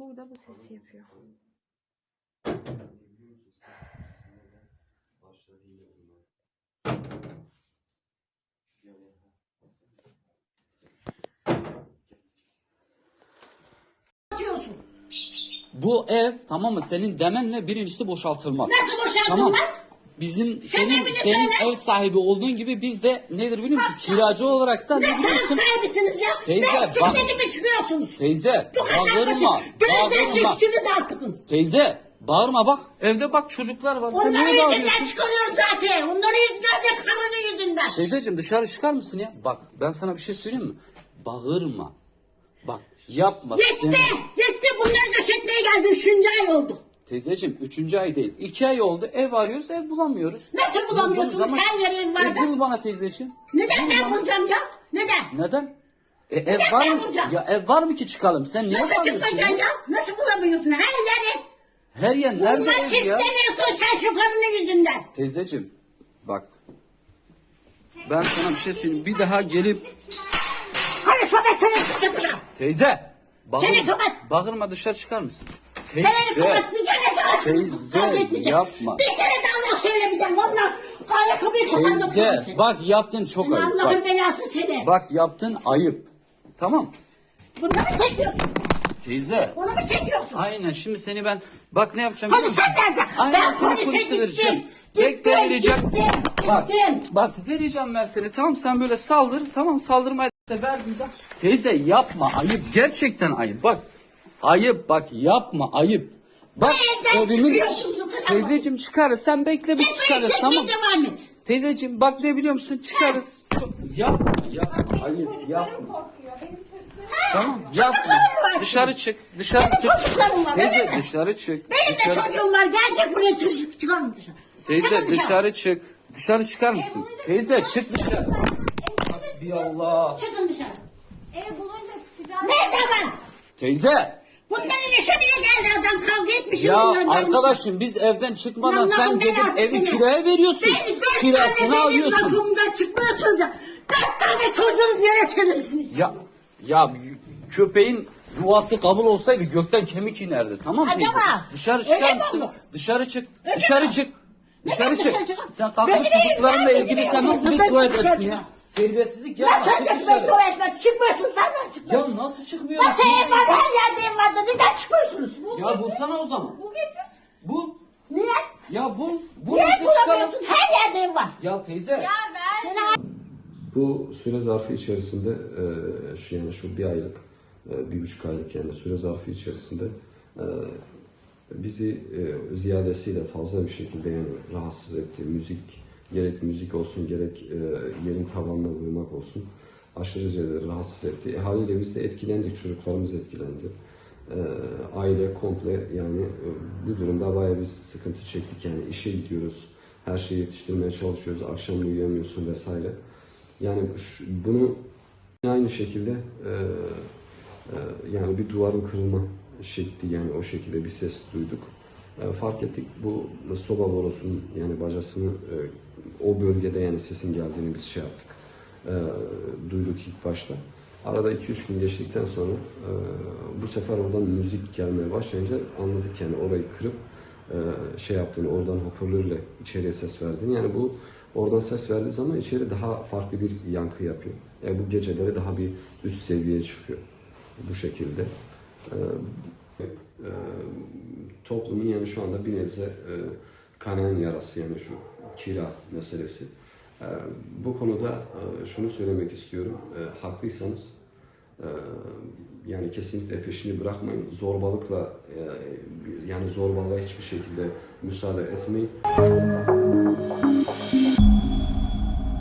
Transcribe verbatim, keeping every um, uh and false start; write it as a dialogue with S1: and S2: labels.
S1: burada bu sesi yapıyor.
S2: Bu ev, tamam mı, senin demenle birincisi boşaltılmaz.
S3: Nasıl boşaltılmaz?
S2: Tamam. Bizim
S3: Sen
S2: senin
S3: evini
S2: senin
S3: söyle.
S2: ev sahibi olduğun gibi biz de nedir biliyor musun? Kiracı olarak da
S3: Ne
S2: ne
S3: sanat
S2: biliyorsun?
S3: sahibisiniz ya?
S2: Teyze,
S3: Ben
S2: bak-
S3: çıkmadım çıkıyorsunuz.
S2: Teyze,
S3: Bu kadar
S2: bağırma,
S3: basit. Gözden
S2: bağırma.
S3: düştünüz artık.
S2: Teyze, bağırma bak. Evde bak çocuklar var. Sen
S3: Onların
S2: niye
S3: yüzünden
S2: bağırıyorsun?
S3: çıkıyoruz zaten. Onların yüzünden de karının yüzünden.
S2: Teyzeciğim dışarı çıkar mısın ya? Bak ben sana bir şey söyleyeyim mi? Bağırma. Bak yapma.
S3: Yetti.
S2: Sen-
S3: Yetti. Bunları döşetmeye geldi. Üçüncü ay oldu.
S2: Teyzeciğim üçüncü ay değil. iki ay oldu. Ev arıyoruz, ev bulamıyoruz.
S3: Nasıl bulamıyorsunuz?
S2: Bulduğumuz zaman-
S3: Her yere ev var
S2: E,
S3: da.
S2: bul bana teyzeciğim.
S3: Neden
S2: Bul
S3: ben
S2: bana.
S3: bulacağım ya? Neden?
S2: Neden? E, ev
S3: Neden
S2: var
S3: ben
S2: mı?
S3: bulacağım?
S2: Ya ev var mı ki çıkalım? Sen niye
S3: Nasıl
S2: bağırıyorsun
S3: çıkacaksın
S2: ya?
S3: ya? Nasıl bulamıyorsun? Her yer ev.
S2: Her yer nerede
S3: Bulmak
S2: ev ya?
S3: istemiyorsun sen şu karının yüzünden.
S2: Teyzeciğim bak. Ben sana bir şey söyleyeyim. Bir daha gelip
S3: Hadi sohbet seni çıkacağım.
S2: teyze. Bağırma,
S3: Seni kapat.
S2: bağırma dışarı çıkar mısın?
S3: Seni
S2: Teyze.
S3: kapatmayacağım. Ne zaman
S2: Teyze,
S3: kavga etmeyeceğim.
S2: yapma.
S3: Bir kere de Allah söylemeyeceğim. Valla kaya kapıyı kapandım.
S2: Teyze bak yaptın çok
S3: Seni
S2: ayıp.
S3: Allah'ın
S2: Bak,
S3: belası seni.
S2: bak yaptın ayıp. Tamam.
S3: Bunu mu çekiyorsun?
S2: Teyze.
S3: Bunu mu çekiyorsun?
S2: Aynen şimdi seni ben bak ne yapacağım biliyor
S3: Polise
S2: musun?
S3: vereceksin.
S2: Aynen
S3: Ben
S2: seni
S3: polise
S2: polise
S3: gittim.
S2: vereceğim.
S3: Gittim,
S2: Bekle vereceğim.
S3: gittim,
S2: Bak,
S3: gittim.
S2: bak vereceğim ben seni. Tamam sen böyle saldır. Tamam saldırmaya da ver bize. Teyze yapma ayıp. Gerçekten ayıp. Bak ayıp bak yapma ayıp. Bak
S3: Bu evden çıkıyorsunuz, o kadar
S2: Teyzeciğim çıkarız. Sen bekle biz
S3: Çıkmayı
S2: çıkarız
S3: çekmeye
S2: tamam.
S3: devam et.
S2: Teyzeciğim bak ne biliyor musun? Çıkarız. Çok, yapma yapma ayıp yapma. Tamam yapma.
S3: Çocuklarım var.
S2: Dışarı çık. Dışarı
S3: Senin
S2: çık.
S3: çocukların var, öyle
S2: Teyze
S3: mi?
S2: dışarı çık.
S3: Benim de
S2: Dışarı-
S3: çocuğum var. Gelecek buraya çık çıkarım dışarı.
S2: Teyze
S3: Çıkın
S2: dışarı çık. Dışarı çıkar mısın? Teyze çık dışarı. Hasbiyallah.
S3: Çıkın dışarı.
S1: Ev bulunca çıkacağız.
S3: Ne zaman?
S2: Teyze.
S3: Bunların işe bile geldi adam kavga etmişim.
S2: Ya
S3: bunlardan.
S2: arkadaşım biz evden çıkmadan
S3: Allah'ın
S2: sen gidip
S3: belası
S2: evi
S3: seni.
S2: kiraya veriyorsun.
S3: Beni dört
S2: Kirasını
S3: tane benim
S2: alıyorsun.
S3: lafımda çıkmıyorsunuz ya. Dört tane çocuğunuz yere serirsiniz.
S2: Ya ya köpeğin duası kabul olsaydı gökten kemik inerdi. Tamam mı teyze?
S3: Acaba?
S2: Dışarı
S3: Öyle
S2: çıkar
S3: mi
S2: mısın?
S3: oldu?
S2: Dışarı çık.
S3: Öyle
S2: Dışarı
S3: mi?
S2: çık.
S3: Neden
S2: Dışarı çık.
S3: dışarı çıkın?
S2: Sen kalkıp
S3: Ben gideyim,
S2: çocuklarınla
S3: ben
S2: ilgili
S3: gideyim.
S2: sen nasıl
S3: Ben
S2: beddua
S3: dışarı
S2: edersin
S3: çıkın.
S2: ya? Terbiyesizlik yapma.
S3: Nasıl
S2: Çık
S3: öyle
S2: dışarı.
S3: beddua etmek? Çıkmıyorsunuz. Nereden çıkıyorsunuz?
S2: Ya nasıl çıkmıyorsun?
S3: Nasıl ev var? Her yerde ev var da neden çıkmıyorsunuz?
S2: Ya bulsana o zaman.
S1: Bu getir.
S2: Bu.
S3: Niye?
S2: Ya bul. Bu
S3: Niye
S2: nasıl çıkalım?
S3: bulamıyorsun? Her yerde ev var.
S2: Ya teyze.
S1: Ya ver.
S3: Seni
S4: Bu süre zarfı içerisinde e, şu yani şu bir aylık, e, bir buçuk aylık yani süre zarfı içerisinde e, bizi e, ziyadesiyle fazla bir şekilde yani rahatsız etti. Müzik, gerek müzik olsun gerek e, yerin tavanına vurmak olsun aşırıca rahatsız etti. E, haliyle biz de etkilendik, çocuklarımız etkilendi. E, aile komple yani e, bu durumda bayağı biz sıkıntı çektik yani işe gidiyoruz, her şeyi yetiştirmeye çalışıyoruz, akşam uyuyamıyorsun vesaire. Yani şu- bunu aynı şekilde e, e, yani bir duvarın kırılma şekli yani o şekilde bir ses duyduk. E, fark ettik bu soba borusunun yani bacasını e, o bölgede yani sesin geldiğini biz şey yaptık. E, duyduk ilk başta. Arada iki üç gün geçtikten sonra e, bu sefer oradan müzik gelmeye başlayınca anladık yani orayı kırıp e, şey yaptığını, oradan hoparlörle içeriye ses verdiğini. Yani bu oradan ses verdiği zaman içeri daha farklı bir yankı yapıyor. Yani bu geceleri daha bir üst seviyeye çıkıyor bu şekilde. E, e, toplumun yani şu anda bir nebze e, kanayan yarası yani şu kira meselesi. E, bu konuda e, şunu söylemek istiyorum. E, haklıysanız e, yani kesinlikle peşini bırakmayın. Zorbalıkla e, yani zorbalığa hiçbir şekilde müsaade etmeyin.